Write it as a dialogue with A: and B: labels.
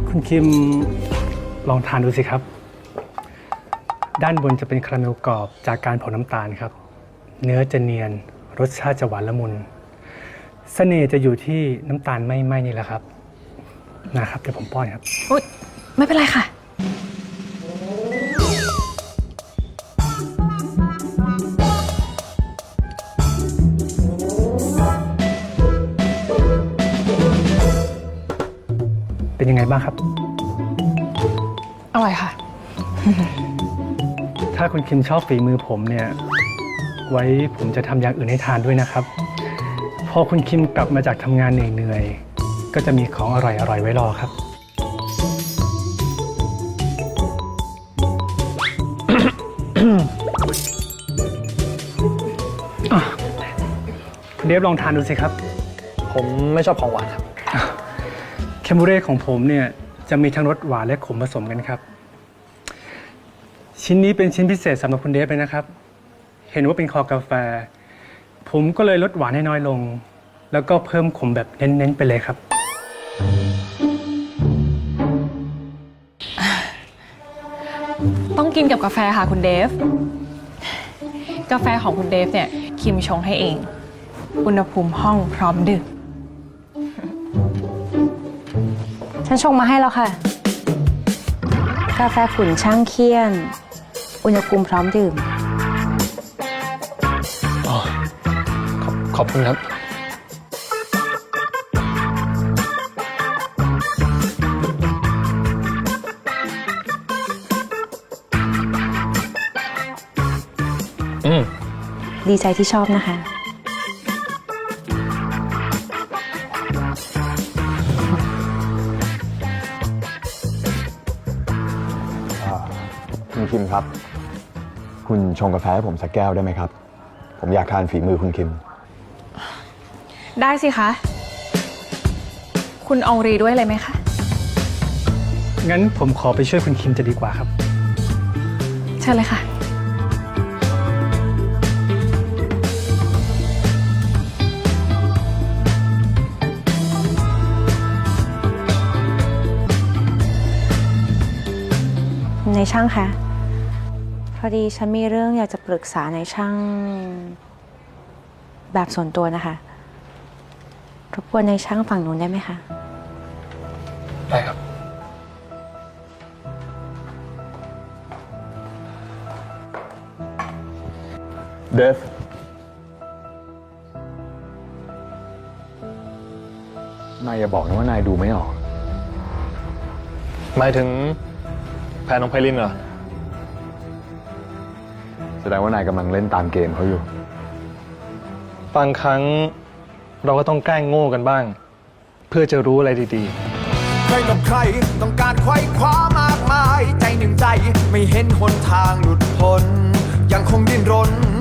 A: คุณคิมลองทานดูสิครับด้านบนจะเป็นคาราเมลกรอบจากการเผาน้ำตาลครับเนื้อจะเนียนรสชาติจะหวานละมุนเสน่ห์จะอยู่ที่น้ำตาลไม่ไหม้นี่แหละครับนะครับเดี๋ยวผมป้อนครับ
B: อุ๊ยไม่เป็นไรค่ะ
A: เป็นยังไงบ้างครับ
B: อร่อยค่ะ
A: ถ้าคุณคิมชอบฝีมือผมเนี่ยไว้ผมจะทำอย่างอื่นให้ทานด้วยนะครับพอคุณคิมกลับมาจากทำงานเหนื่อยๆก็จะมีของอร่อยๆไว้รอครับ คุณเดฟลองทานดูสิครับ
C: ผมไม่ชอบของหวานครับ
A: แคมบูเร่ของผมเนี่ยจะมีทั้งรสหวานและขมผสมกันครับชิ้นนี้เป็นชิ้นพิเศษสำหรับคุณเดฟเลยนะครับเห็นว่าเป็นคอกาแฟผมก็เลยลดหวานให้น้อยลงแล้วก็เพิ่มขมแบบเน้นๆไปเลยครับ
B: ต้องกินกับกาแฟค่ะคุณเดฟกาแฟของคุณเดฟเนี่ยคิมชงให้เองอุณหภูมิห้องพร้อมดื่ม
D: ฉันชงมาให้แล้วค่ะกาแฟขุ่นช่างเคี่ยนอุณหภูมิพร้อมดื่ม
C: ขอบคุณครับ
D: ดีใจที่ชอบนะคะ
E: คุณคิมครับคุณชงกาแฟให้ผมสักแก้วได้ไหมครับผมอยากทานฝีมือคุณคิม
B: ได้สิคะคุณอองรีด้วยเลยไหมคะ
A: งั้นผมขอไปช่วยคุณคิมจะดีกว่าครับ
B: เชิญเลยค่ะ
D: ในช่างคะพอดีฉันมีเรื่องอยากจะปรึกษาในช่างแบบส่วนตัวนะคะรบกวนในช่างฝั่งนู้นได้ไหมคะ
C: ได้ครับ
E: เดฟนายอย่าบอกนะว่านายดูไม่ออก
C: หมายถึงแพนน้องไพลินเหรอ
E: แสดงว่านายกำลังเล่นตามเกมเขาอยู่
C: บางครั้งเราก็ต้องแกล้งโง่กันบ้างเพื่อจะรู้อะไรดี
F: ๆใครกับใครต้องการไขว้คว้ามากมายใจหนึ่งใจไม่เห็นหนทางหลุดพ้นยังคงดิ้นรน